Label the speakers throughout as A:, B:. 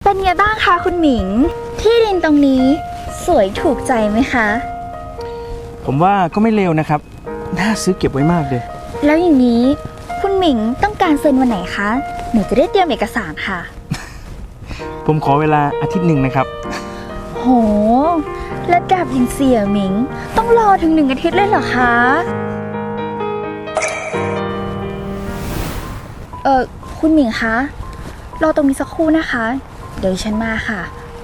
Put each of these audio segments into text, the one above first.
A: เป็นไงบ้างคะคุณหมิงที่ดินตรงนี้สวยถูกใจไหมคะ
B: ผมว่าก็ไม่เลวนะครับน่าซื้อเก็บไว้มากเลย
A: แล้วอย่างนี้คุณหมิงต้องการเซ็นวันไหนคะหนูจะได้เตรียมเอกสารค่ะ
B: ผมขอเวลาอาทิตย์หนึ่งนะครับ
A: โหระดับอย่างเสี่ยหมิงต้องรอถึง1 อาทิตย์เลยเหรอคะคุณหมิงคะรอตรงนี้สักครู่นะคะเดี๋ยวฉันมาค่ะ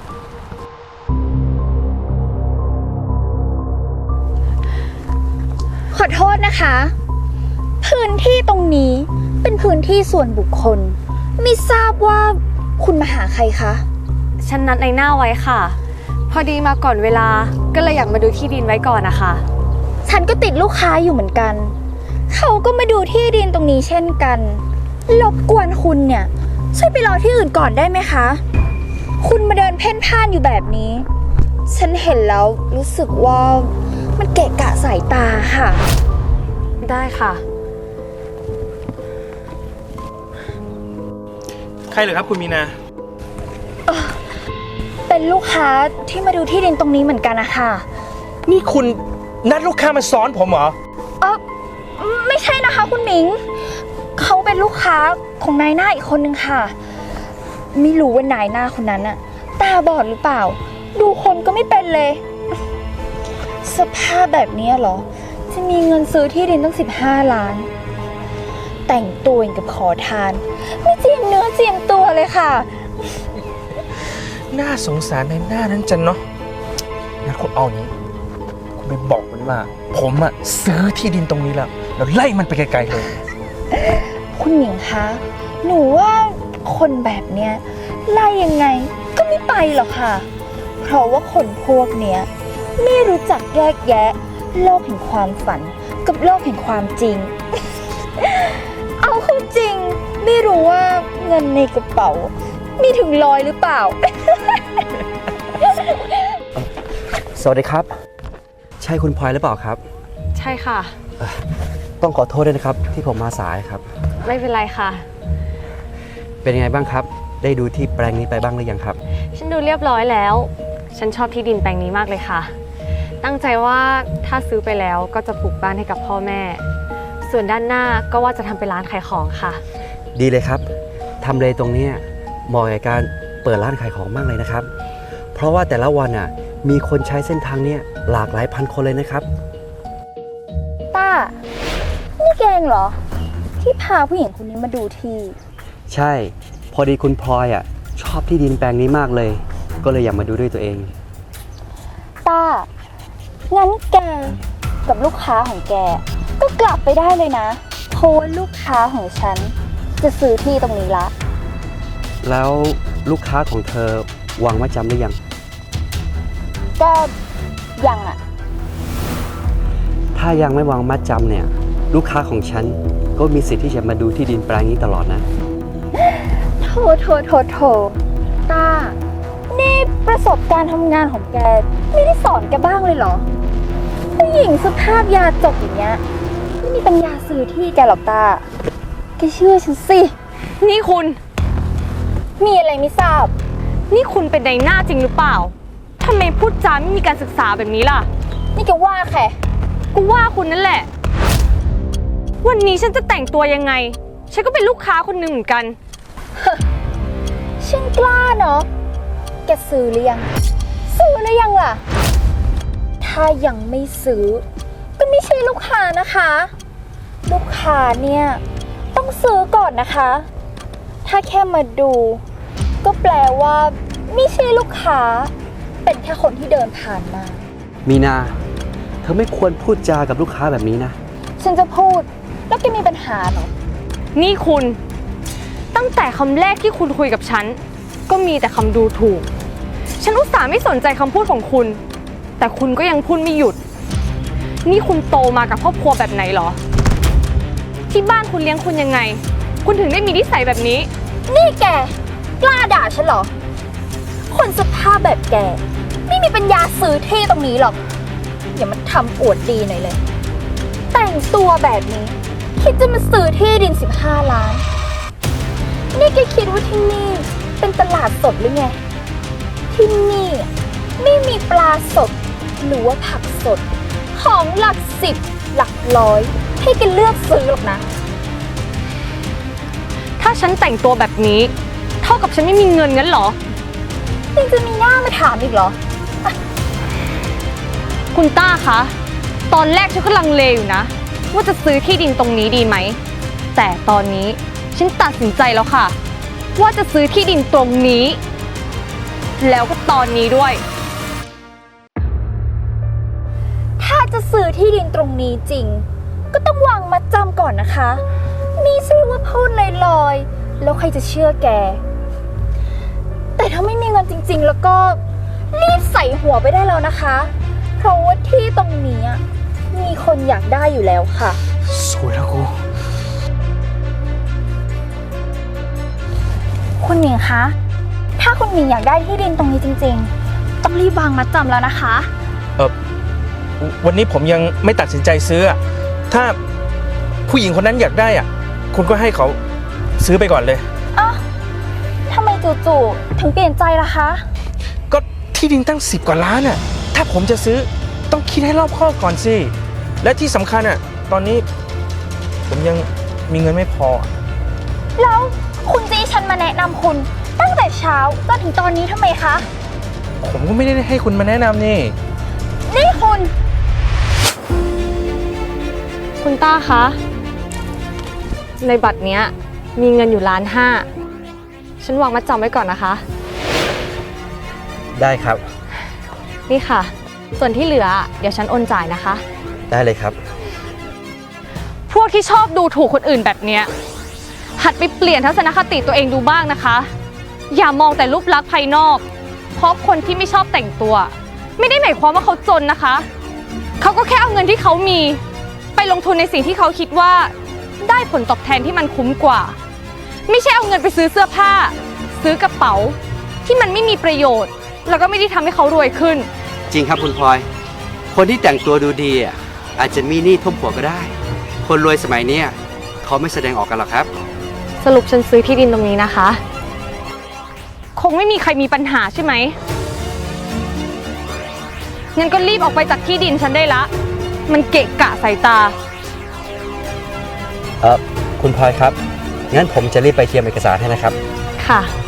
A: ขอโทษนะคะพื้นที่ตรงนี้เป็นพื้นที่ส่วนบุคคลไม่ทราบว่าคุณมาหาใครคะ
C: ฉันนัดในหน้าไว้ค่ะพอดีมาก่อนเวลาก็เลยอยากมาดูที่ดินไว้ก่อนนะคะ
A: ฉันก็ติดลูกค้าอยู่เหมือนกันเขาก็มาดูที่ดินตรงนี้เช่นกันรบกวนคุณเนี่ยช่วยไปรอที่อื่นก่อนได้ไหมคะคุณมาเดินเพ่นพ่านอยู่แบบนี้ฉันเห็นแล้วรู้สึกว่ามันเกะกะสายตาค่ะ
C: ได้ค่ะ
B: ใครเหรอครับคุณมีนา
A: เป็นลูกค้าที่มาดูที่ดินตรงนี้เหมือนกันนะคะ
B: นี่คุณนัดลูกค้ามาซ้อนผมเหรอ
A: ไม่ใช่นะคะคุณหมิงเขาเป็นลูกค้าของนายหน้าอีกคนนึงค่ะไม่รู้ว่านายหน้าคนนั้นอะตาบอดหรือเปล่าดูคนก็ไม่เป็นเลยสภาพแบบนี้เหรอจะมีเงินซื้อที่ดินตั้ง15 ล้านแต่งตัวอย่างกับขอทานไม่เจียมเนื้อเจียมตัวเลยค่ะ
B: น่าสงสารในหน้านั้นจังเนาะงั้นคุณเอานี้คุณไปบอกมันว่าผมอะซื้อที่ดินตรงนี้แล้วไล่มันไปไกลๆเลย
A: คุณหญิงคะหนูว่าคนแบบเนี้ยไล่ยังไงก็ไม่ไปหรอกค่ะเพราะว่าคนพวกเนี้ยไม่รู้จักแยกแยะโลกแห่งความฝันกับโลกแห่งความจริง เอาเข้าจริงไม่รู้ว่าเงินในกระเป๋ามีถึง100หรือเปล่า
D: สวัสดีครับใช่คุณพลอยหรือเปล่าครับ
C: ใช่ค่ะ
D: ต้องขอโทษด้วยนะครับที่ผมมาสายครับ
C: ไม่เป็นไรค่ะ
D: เป็นยังไงบ้างครับได้ดูที่แปลงนี้ไปบ้างหรือยังครับ
C: ฉันดูเรียบร้อยแล้วฉันชอบที่ดินแปลงนี้มากเลยค่ะตั้งใจว่าถ้าซื้อไปแล้วก็จะปลูกบ้านให้กับพ่อแม่ส่วนด้านหน้าก็ว่าจะทำเป็นร้านขายของค่ะ
D: ดีเลยครับทำเลตรงนี้เหมาะกับการเปิดร้านขายของมากเลยนะครับเพราะว่าแต่ละวันมีคนใช้เส้นทางนี้หลากหลายพันคนเลยนะครับ
A: ต้านี่แกงเหรอที่พาผู้หญิงคนนี้มาดูที่
D: ใช่พอดีคุณพลอยชอบที่ดินแปลงนี้มากเลยก็เลยอยากมาดูด้วยตัวเอง
A: ต้างั้นแกกับลูกค้าของแกก็กลับไปได้เลยนะเพราะว่าลูกค้าของฉันจะซื้อที่ตรงนี้ละ
D: แล้วลูกค้าของเธอวางมัดจำหรือยัง
A: ก็ยัง
D: ถ้ายังไม่วางมัดจำเนี่ยลูกค้าของฉันก็มีสิทธิ์ที่จะมาดูที่ดินแปลงนี้ตลอดนะ
A: โถต้านี่ประสบการณ์ทำงานของแกไม่ได้สอนแกบ้างเลยเหรอผู้หญิงสภาพยาจกอย่างเงี้ยไม่มีปัญญาซื้อที่แกหรอกต้าแกเชื่อฉันสิ
C: นี่คุณ
A: มีอะไรไม่ทราบ
C: นี่คุณเป็นนายหน้าจริงหรือเปล่าทำไมพูดจาไม่มีการศึกษาแบบนี้ล่ะ
A: นี่แกว่าแค่
C: กูว่าคุณนั่นแหละวันนี้ฉันจะแต่งตัวยังไงฉันก็เป็นลูกค้าคนหนึ่งเหมือนกัน
A: ฉันกล้าเนาะแกซื้อหรือยังล่ะถ้ายังไม่ซื้อก็ไม่ใช่ลูกค้านะคะลูกค้าเนี่ยต้องซื้อก่อนนะคะถ้าแค่มาดูก็แปลว่าไม่ใช่ลูกค้าเป็นแค่คนที่เดินผ่านมา
D: มีนาเธอไม่ควรพูดจากับลูกค้าแบบนี้นะ
A: ฉันจะพูดแล้วแกมีปัญหาเหรอ
C: นี่คุณตั้งแต่คำแรกที่คุณคุยกับฉันก็มีแต่คำดูถูกฉันอุตส่าห์ไม่สนใจคำพูดของคุณแต่คุณก็ยังพูดไม่หยุดนี่คุณโตมากับครอบครัวแบบไหนหรอที่บ้านคุณเลี้ยงคุณยังไงคุณถึงได้มีนิสัยแบบนี้
A: นี่แกกล้าด่าฉันเหรอคนสภาพแบบแกไม่มีปัญญาซื้อที่ตรงนี้หรอกอย่ามาทำอวดดีหน่อยเลยแต่งตัวแบบนี้คิดจะมาซื้อที่ดิน15 ล้านนี่แกคิดว่าที่นี่เเป็นตลาดสดหรือไง ที่นี่ไม่มีปลาสดหรือว่าผักสด ของหลักสิบหลักร้อยให้แกันเลือกซื้อหรอกนะ
C: ถ้าฉันแต่งตัวแบบนี้ เท่ากับฉันไม่มีเงินงั้นเหรอ
A: ยังจะมีหน้ามาถามอีกเหรอ
C: คุณต้าคะ ตอนแรกฉันก็ลังเลอยู่นะ ว่าจะซื้อที่ดินตรงนี้ดีไหม แต่ตอนนี้ฉันตัดสินใจแล้วค่ะ ว่าจะซื้อที่ดินตรงนี้ แล้วก็ตอนนี้ด้วย
A: ถ้าจะซื้อที่ดินตรงนี้จริง ก็ต้องวางมัดจำก่อนนะคะมีใช่ว่าพูดลอยๆแล้วใครจะเชื่อแก แต่ถ้าไม่มีเงินจริงๆ แล้วก็รีบใส่หัวไปได้แล้วนะคะ เพราะว่าที่ตรงนี้มีคนอยากได้อยู่แล้วค่ะ
B: สวยแล้วกู
A: คุณหมิงคะ ถ้าคุณหมิงอยากได้ที่ดินตรงนี้จริงๆ ต้องรีบวางมัดจำแล้วนะคะ
B: วันนี้ผมยังไม่ตัดสินใจซื้ออะถ้าผู้หญิงคนนั้นอยากได้อะคุณก็ให้เขาซื้อไปก่อนเลย
A: อ้าวทำไมจู่ๆถึงเปลี่ยนใจล่ะคะ
B: ก็ที่ดินตั้ง10 กว่าล้านอะถ้าผมจะซื้อต้องคิดให้รอบคอบก่อนสิ และที่สำคัญอะตอนนี้ผมยังมีเงินไม่พอ
A: แล้วคุณจะให้ฉันมาแนะนำคุณ ตั้งแต่เช้าจนถึงตอนนี้ทำไมคะ
B: ผมก็ไม่ได้ให้คุณมาแนะนำนี่
A: นี่คุณ
C: คุณต้าคะ ในบัตรเนี้ยมีเงินอยู่1.5 ล้านฉันวางมัดจำไว้ก่อนนะคะ
D: ได้ครับ
C: นี่ค่ะ ส่วนที่เหลือเดี๋ยวฉันโอนจ่ายนะคะ
D: ได้เลยครับ
C: พวกที่ชอบดูถูกคนอื่นแบบเนี้ยหัดไปเปลี่ยนทัศนคติตัวเองดูบ้างนะคะ อย่ามองแต่รูปลักษณ์ภายนอก เพราะคนที่ไม่ชอบแต่งตัว ไม่ได้หมายความว่าเขาจนนะคะ เขาก็แค่เอาเงินที่เขามีไปลงทุนในสิ่งที่เขาคิดว่าได้ผลตอบแทนที่มันคุ้มกว่า ไม่ใช่เอาเงินไปซื้อเสื้อผ้า ซื้อกระเป๋าที่มันไม่มีประโยชน์ แล้วก็ไม่ได้ทำให้เขารวยขึ้น
D: จริงครับคุณพลอย คนที่แต่งตัวดูดีอาจจะมีหนี้ท่วมหัวก็ได้ คนรวยสมัยนี้เขาไม่แสดงออกกันหรอกครับ
C: สรุปฉันซื้อที่ดินตรงนี้นะคะ คงไม่มีใครมีปัญหาใช่ไหมงั้นก็รีบออกไปจากที่ดินฉันได้ละ มันเกะกะสายตา
D: คุณพลอยครับ งั้นผมจะรีบไปเตรียมเอกสารให้นะครับ
C: ค่ะ